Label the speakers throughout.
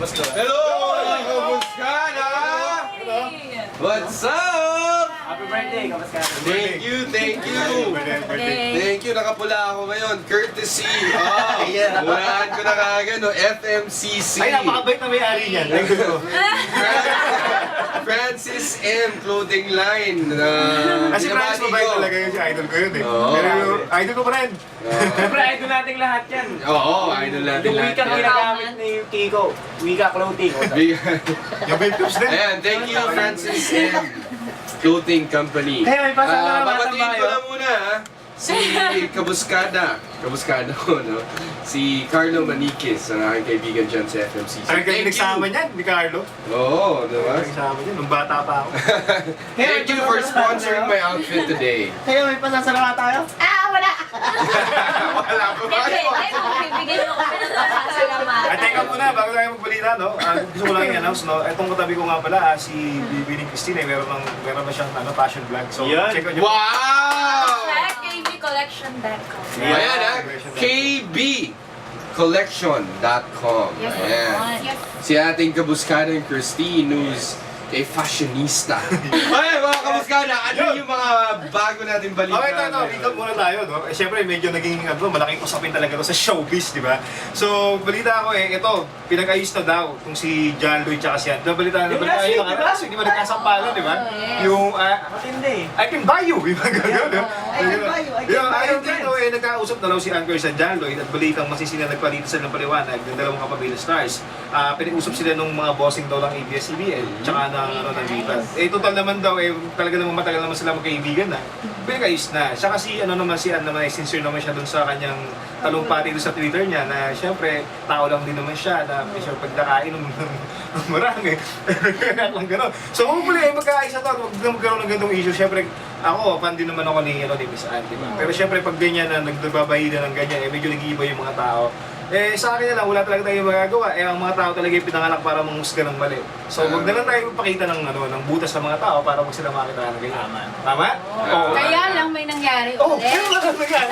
Speaker 1: Hello, mga kamuskada! What's up?
Speaker 2: Happy birthday, kamusta?
Speaker 1: Thank you. Thank you, nakapula ako ngayon. Courtesy. Unahan ko na kagad, no? FMCC.
Speaker 3: Ay, napakabait na may-ari niyan. Thank you.
Speaker 1: Francis M. Clothing Line.
Speaker 3: Kasi Francis mabait talaga yun, si idol ko yun eh.
Speaker 1: Oo.
Speaker 3: Pero idol ko pa rin.
Speaker 2: Siyempre, idol natin lahat yan.
Speaker 1: Oo, idol natin
Speaker 2: Yung
Speaker 1: lahat
Speaker 2: wika
Speaker 1: yan.
Speaker 2: ginagamit ni Kiko. Wika clothing.
Speaker 3: Yung vape tubes din.
Speaker 1: Ayan, thank you, Francis M. Clothing Company.
Speaker 2: Kaya may pasama na
Speaker 1: Babatiin ko
Speaker 2: tayo.
Speaker 1: na muna, ha? Si Kabuskada ko, no? Si Carlo Maniquez, ang aking kaibigan dyan sa FMCC.
Speaker 3: Sabi kayo nagsama niyan, ni Carlo.
Speaker 1: Oo, diba?
Speaker 3: Nagsama niyan, nung bata pa ako.
Speaker 1: Thank you for sponsoring my outfit today.
Speaker 2: Kaya may pasasalamat tayo?
Speaker 4: Wala!
Speaker 1: Wala pa ba?
Speaker 4: Bibigyan mo kami ng salamat.
Speaker 3: At teka muna, bago tayo magbalita, no? Gusto ko lang i-announce, no? Etong katabi ko nga pala, si Bibi ni Christine, meron na siyang passion vlog. So,
Speaker 2: Yan.
Speaker 3: check out nyo.
Speaker 1: Wow!
Speaker 4: Check kbcollection.com.
Speaker 1: Ayan, ha? kbcollection.com.
Speaker 4: Yes,
Speaker 1: Ayan.
Speaker 4: yes.
Speaker 1: Si ating kabuskada yung Christine, who's a fashionista. Ay, mga kabuskada, ano yung mga bago natin balita?
Speaker 3: Okay, ito, recap muna tayo, no? Eh, syempre, medyo naging, malaking usapin talaga to sa showbiz, di ba? So, balita ako ito, pinag-ayos na daw kung si John Lloyd tsaka si Ann. Balita na,
Speaker 2: Yung last week, di ba?
Speaker 3: Di ba nagkasampalan, di ba?
Speaker 4: Yes.
Speaker 3: Yung,
Speaker 2: Matindi.
Speaker 3: I can buy you, di ba? Gano'n,
Speaker 2: I can buy you, I can buy
Speaker 3: Ayun
Speaker 2: you,
Speaker 3: dito, nagkausap na raw si Anchor sa John Lloyd at balitang masisina nagpalitan sila ng paliwanag ng dalawang kapamilya stars. Pinag-usap sila nung mga bossing daw ng ABS-CBN, tsaka ng Viva. Total naman daw, talaga naman matagal naman sila magkaibigan na. Pinag-ayos na. Siya kasi, si Ann naman, sincere naman siya dun sa kanyang talumpati doon sa Twitter niya na syempre, tao lang din naman siya na siya pagdakain ng marami. Kaya lang gano'n. So kung muli, magkaayos na to, huwag na magkaroon ng ganitong issue. Syempre, ako, fan din naman ako ni Miss Ann, di ba? Pero syempre, pag ganyan na nagbabahida ng ganyan, medyo nag-iiba yung mga tao. Sa akin na lang, wala talaga tayong magagawa. Ang mga tao talaga yung pinanganak para mangusga ng mali. So, wag na lang tayo magpakita ng butas sa mga tao para wag sila makita ng ganyan. Tama? Oo.
Speaker 4: Kaya lang may nangyari
Speaker 3: Oh,
Speaker 4: ulit.
Speaker 3: kaya lang nangyari.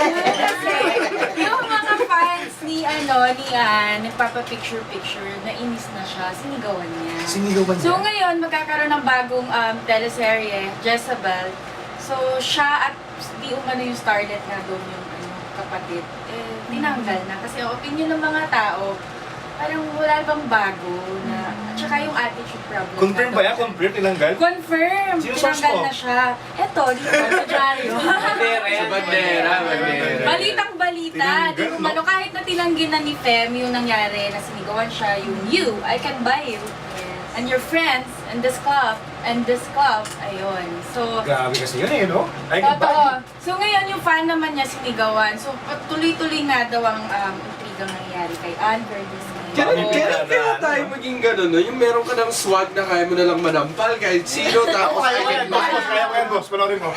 Speaker 4: Kasi yung mga fans ni Ann, nagpapa-picture-picture, nainis na siya, sinigawan niya.
Speaker 3: Sinigawan
Speaker 4: So ngayon, magkakaroon ng bagong teleserye, Jezebel. So siya at di umano yung starlet nga doon yung kapatid, tinanggal na. Kasi ang opinion ng mga tao, parang wala bang bago na, at saka yung attitude problem.
Speaker 3: Confirm ba yan? Confirm tinanggal?
Speaker 4: Confirm!
Speaker 3: Sino source
Speaker 4: Tinanggal
Speaker 3: mo?
Speaker 4: na siya. Eto, dito, sa dyaryo.
Speaker 1: Sa bandera.
Speaker 4: Balitang balita. Di
Speaker 3: Tinanggal,
Speaker 4: umano, kahit na tinanggi na ni Fem yung nangyari, na sinigawan siya, yung you, I can buy you. And your friends, and this club, ayun. So,
Speaker 3: Grabe kasi yun no? I can buy
Speaker 4: totoo. So ngayon yung fan naman niya sinigawan. So tuloy-tuloy nga daw ang intrigang nangyayari kay Ann versus
Speaker 1: Kailan kaya tayo maging gano'n, no? Yung meron ka ng swag na kaya mo nalang manampal kahit sino, tapos
Speaker 3: Kaya ko yan, boss. Panoorin mo.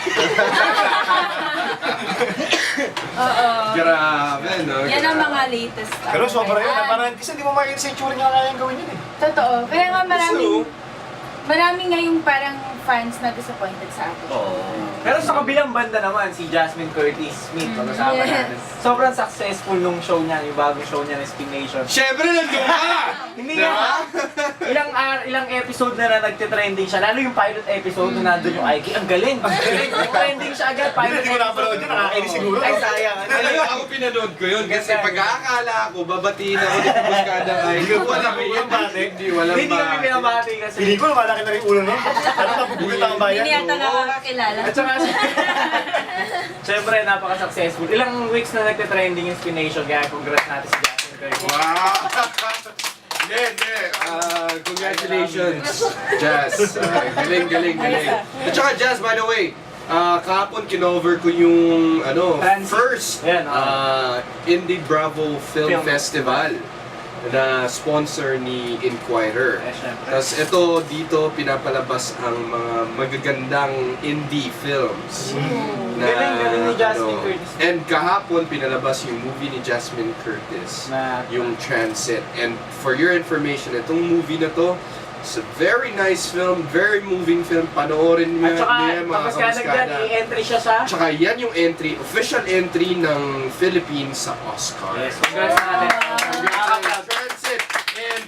Speaker 4: Oo.
Speaker 1: Grabe, no?
Speaker 4: Yan ang mga latest.
Speaker 3: Pero sobra
Speaker 4: kay
Speaker 3: yun.
Speaker 4: Ann.
Speaker 3: Parang kasi hindi mo makikita sa itsura niya kaya yung gawin yun
Speaker 4: Totoo. Kaya nga
Speaker 1: So,
Speaker 4: maraming ngayong parang fans na disappointed sa atin.
Speaker 2: Pero sa kabilang banda naman, si Jasmine Curtis Smith, pag-usapan
Speaker 4: Yes.
Speaker 2: natin. Sobrang successful nung show niya, yung bagong show niya na Spin Nation.
Speaker 1: syempre nandun ka!
Speaker 2: Hindi nga. Ilang episode na nagtitrending siya. Lalo yung pilot episode na nandun yung Ike. Ang galing. Trending siya agad.
Speaker 3: Hindi ko napanood yun. Nakakainis siguro.
Speaker 2: Ay, sayang.
Speaker 1: Alam mo, ako pinanood ko yun kasi pag-aakala ko, babatiin ako ni Kabuskada ay walang bate. Walang
Speaker 2: Hindi kami pinabati kasi.
Speaker 3: Hindi ko malaki na rin ulo nun. Ano napupulit ang bayan?
Speaker 4: Hindi yata nakakakilala.
Speaker 2: At saka, siyempre, napaka-successful. Ilang weeks na nagtitrending yung Spin Nation, kaya congrats natin si Jasmine Curtis.
Speaker 1: Wow! Hindi. Congratulations, Jazz. Galing. At saka, Jazz, by the way, kahapon kinover ko yung
Speaker 2: Fancy.
Speaker 1: first
Speaker 2: Yan,
Speaker 1: Indie Bravo Film
Speaker 2: Film.
Speaker 1: Festival na sponsor ni Inquirer.
Speaker 2: Syempre.
Speaker 1: Tapos ito dito pinapalabas ang mga magagandang indie films.
Speaker 2: Galing ni Jasmine Curtis.
Speaker 1: And kahapon pinalabas yung movie ni Jasmine Curtis, yung Transit. And for your information, itong movie na to, it's a very nice film, very moving film. Panoorin niyo
Speaker 2: At saka,
Speaker 1: niya mga
Speaker 2: tapos kaya
Speaker 1: kamuskada.
Speaker 2: i-entry siya sa...
Speaker 1: Tsaka yan yung official entry ng Philippines sa Oscar.
Speaker 2: Yes, congrats natin.
Speaker 1: Transit and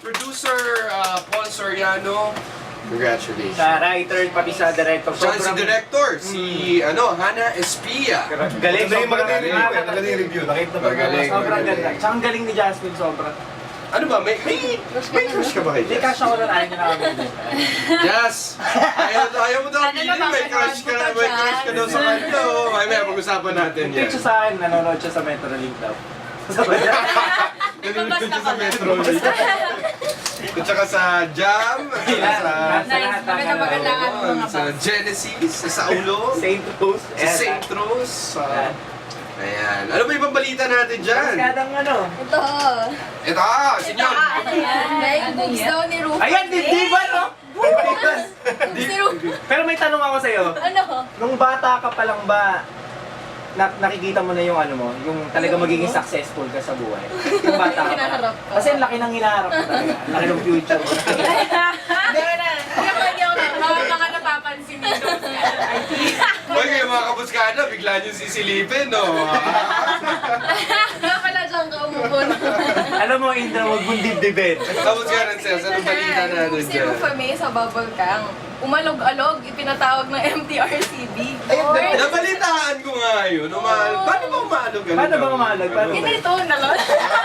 Speaker 1: producer Paul Soriano, congratulations.
Speaker 2: Sa writer, pati sa director.
Speaker 1: Siya si director, si Hannah Espia.
Speaker 2: Galing,
Speaker 3: Maganda yung
Speaker 2: sobrang
Speaker 3: review, maganda yung review. Nakita na
Speaker 1: Magaling.
Speaker 2: Sobrang ganda. Tsaka ang galing ni Jasmine, sobrang.
Speaker 1: Ano ba, may crush ka ba kay
Speaker 2: Hindi
Speaker 1: Jess?
Speaker 2: cash ako lang, ayaw niya na kami.
Speaker 1: Jess! Ayaw mo daw
Speaker 4: Ano
Speaker 1: pili,
Speaker 4: na ba,
Speaker 1: may crush ka daw sa kanya. May pag-usapan natin yan.
Speaker 2: Picture sa akin, nanonood siya sa Metrolink daw.
Speaker 1: Nanonood siya sa Metro. At saka sa Jam, at saka sa...
Speaker 4: Nice. Maganda ang mga
Speaker 1: Sa Genesis, sa Saulo,
Speaker 2: Saint Rose.
Speaker 1: sa St. Rose. Ayan. Ano ba ibang balita natin dyan?
Speaker 2: Kadang ano.
Speaker 4: Ito.
Speaker 1: Ito, sinyon.
Speaker 4: Ano yan? Like, boobs daw ni Rufus.
Speaker 2: Ayan, di ba no?
Speaker 4: Si Rufus.
Speaker 2: Pero may tanong ako sa'yo.
Speaker 4: Ano?
Speaker 2: Nung bata ka pa lang ba, nakikita mo na yung ano mo, yung talaga magiging successful ka sa buhay? Yung bata ka pa lang.
Speaker 4: Hinaharap ko.
Speaker 2: Kasi ang laki ng hinaharap ko talaga. Ang laki ng future mo.
Speaker 4: Hindi ko na. Hindi ako mga napapansin nito.
Speaker 1: Uy, kayo mga kabuskada, bigla nyo sisilipin, no?
Speaker 4: Kaya pala dyan ka umubon.
Speaker 2: Alam mo, Indra, huwag mong dibdibin.
Speaker 1: Kabuskada, Ses, anong balita natin
Speaker 4: Si
Speaker 1: dyan?
Speaker 4: Rufa May sa Bubble Kang. Umalog-alog, ipinatawag ng MTRCB.
Speaker 1: Nabalitaan ko nga yun. Paano ba umalog?
Speaker 2: Paano ba umalog? Paano ba?
Speaker 4: Hindi ito, nalon.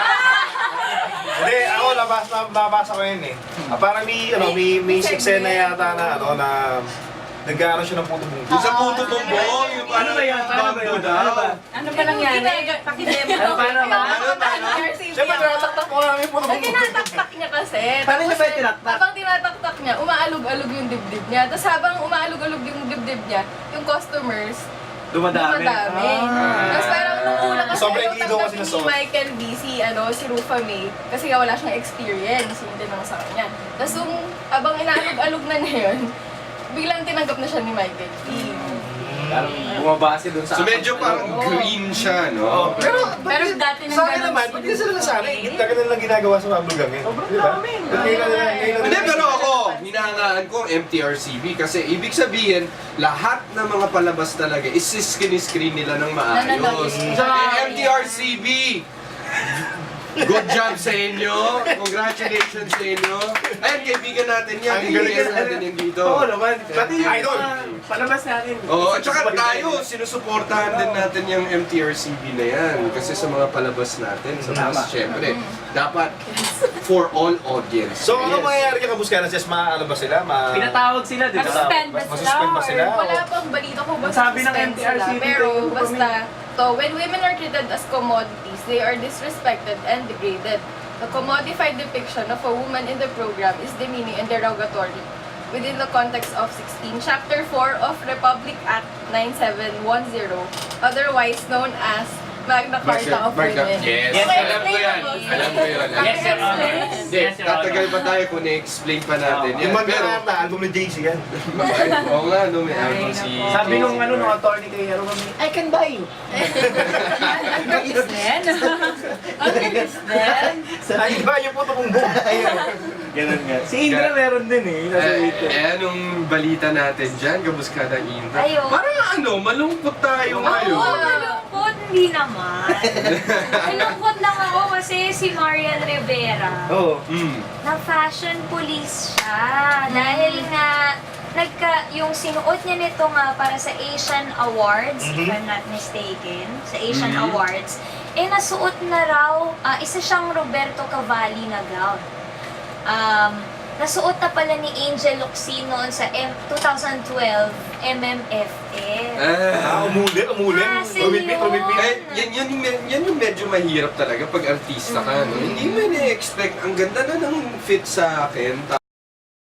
Speaker 3: Hindi, ako nabasa ko yun eh. Parang may eksena yata na nag-aaral siya ng puto bungko.
Speaker 1: Yung sa puto bumbong, yung
Speaker 2: Ano ba yan? Paano ba yun? Ano ba?
Speaker 4: Ano ba nangyari? Pakidemo.
Speaker 2: Ano, paano?
Speaker 3: Siyempre, tinataktak ko lang yung puto
Speaker 4: Pag
Speaker 3: bungko.
Speaker 4: tinataktak niya kasi.
Speaker 2: Paano niya ba
Speaker 4: tapos,
Speaker 2: tinaktak?
Speaker 4: Habang tinataktak niya, umaalog-alog yung dibdib niya. Tapos habang umaalog-alog yung dibdib niya, yung customers,
Speaker 2: Dumadami.
Speaker 4: Tapos parang nung una kasi
Speaker 3: Sobrang
Speaker 4: ayaw
Speaker 3: glido kasi
Speaker 4: tanggapin
Speaker 3: na
Speaker 4: ni
Speaker 3: sauce.
Speaker 4: Michael B. Si Rufa May kasi nga wala siyang experience. Yun din ang sa kanya. Tapos nung habang inaalog-alog na niya yun, biglang tinanggap na siya ni Michael B.
Speaker 2: Parang bumabase dun sa...
Speaker 1: So medyo parang green siya, no?
Speaker 4: Pero dati nang
Speaker 3: Sa akin naman, pag hindi sila nasanay, tagal na lang ginagawa sa mga vlog eh.
Speaker 2: Sobrang
Speaker 3: Di ba?
Speaker 2: dami.
Speaker 1: Hindi, pero ako, hinahangaan ko ang MTRCB kasi ibig sabihin, lahat ng mga palabas talaga is-screen nila ng maayos. MTRCB! Good job sa inyo! Congratulations sa inyo! Ayun, kaibigan natin yan.
Speaker 3: Ang galing
Speaker 1: Kaibigan natin yan dito.
Speaker 2: Oo naman. Pati yung
Speaker 3: Idol.
Speaker 2: palabas natin.
Speaker 1: Oo, at saka tayo, sinusuportahan din natin yung MTRCB na yan. Kasi sa mga palabas natin, sa
Speaker 2: Tama.
Speaker 1: mas syempre, dapat for all audience.
Speaker 3: So, ano mangyayari kay Kabuskana? Sis, ano ba sila?
Speaker 2: Pinatawag sila, di ba?
Speaker 4: Masuspend ba sila?
Speaker 3: Masuspend ba sila?
Speaker 4: Or wala pang balita ko ba
Speaker 2: Sabi ng
Speaker 4: suspend sila.
Speaker 2: MTRCB
Speaker 4: Pero
Speaker 2: kayo,
Speaker 4: basta, when women are treated as commodities, they are disrespected and degraded. The commodified depiction of a woman in the program is demeaning and derogatory within the context of 16, Chapter 4 of Republic Act 9710, otherwise known as Magna Carta of Women.
Speaker 1: Yes,
Speaker 2: Yes,
Speaker 1: alam ko yan. Alam ko yun.
Speaker 2: Yes, Your Honor.
Speaker 1: Hindi,
Speaker 2: Yes, Your Honor.
Speaker 1: tatagal pa tayo kung na-explain pa natin yan.
Speaker 3: Yung
Speaker 1: Pero,
Speaker 3: Magna album ni JC yan.
Speaker 1: oo nga, no, may album si...
Speaker 2: Sabi nung attorney kay Hero kami, I can buy you.
Speaker 4: Ang gagis din. Ang gagis din.
Speaker 3: Ay, iba yung puto kong book.
Speaker 2: Ganun nga. Si Indra meron din eh. Nasa Twitter.
Speaker 1: anong balita natin dyan, Kabuskada Indra?
Speaker 5: Ayun.
Speaker 1: Parang malungkot tayo ngayon.
Speaker 5: Oo, malungkot. Hindi naman. Malungkot lang ako kasi si Marian Rivera,
Speaker 2: Oo.
Speaker 5: na fashion police siya. Dahil nga, yung sinuot niya nito nga para sa Asian Awards, if I'm not mistaken, sa Asian Awards, nasuot na raw, isa siyang Roberto Cavalli na gown. Nasuot na pala ni Angel Locsin noon sa 2012 MMFF.
Speaker 3: Umulit. Rumipit.
Speaker 1: Yan yung medyo mahirap talaga pag artista ka. No? Hindi mo na-expect. Ang ganda na ng fit sa akin.